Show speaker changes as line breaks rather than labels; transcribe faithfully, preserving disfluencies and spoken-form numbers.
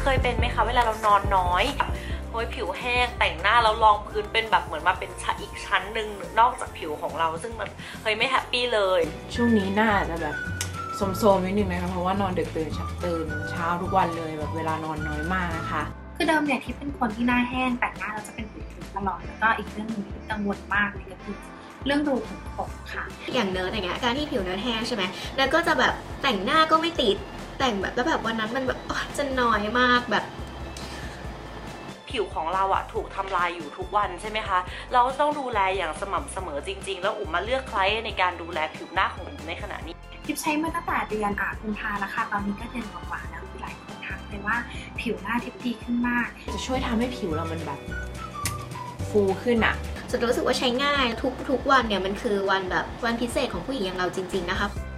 ยเป็นไหมคะเวลาเรานอนน้อยโอ้ยผิวแห้งแต่งหน้าแล้วรองพื้นเป็นแบบเหมือนมาเป็นชั้นอีกชั้นหนึ่งนอกจากผิวของเราซึ่งมันเฮ้ยไม่แฮปปี้เลย
ช่วงนี้หน้าจะแบบโสมๆนิดนึงนะคะเพราะว่านอนดึกตื่นตื่นเช้าทุกวันเลยแบบเวลานอนน้อยมากนะคะ
คือเดิมเนี่ยที่เป็นคนที่หน้าแห้งแต่งหน้าเราจะเป็นผิวตลอดแล้วก็อีกเรื่องหนึ่งที่กังวลมากเลยก็คือเรื่องรูขุมขนค่ะ
อย่างเนิร์ดอย่างเงี้ยการที่ผิวเนิร์ดแห้งใช่ไหมแล้วก็จะแบบแต่งหน้าก็ไม่ติดแต่งแบบแล้วแบบวันนั้นมันแบบจะน้อยมากแบบ
ผิวของเราอะถูกทำลายอยู่ทุกวันใช่ไหมคะเราต้องดูแลอย่างสม่ำเสมอจริงๆแล้วอุ๋มมาเลือกใครในการดูแลผิวหน้าของอุ๋มในขณะนี้
ทิปใช้มาตั้งแต่เดือนอ่ะกุมภาแล้วค่ะตอนนี้ก็เดือนกว่าๆแล้วหลายคนทักเลยว่าผิวหน้าทิปดีขึ้นมาก
จะช่วยทำให้ผิวเรามันแบบฟูขึ้นอะ
จะรู้สึกว่าใช้ง่ายทุกทุกวันเนี่ยมันคือวันแบบวันพิเศษของผู้หญิงอย่างเราจริงๆนะคะ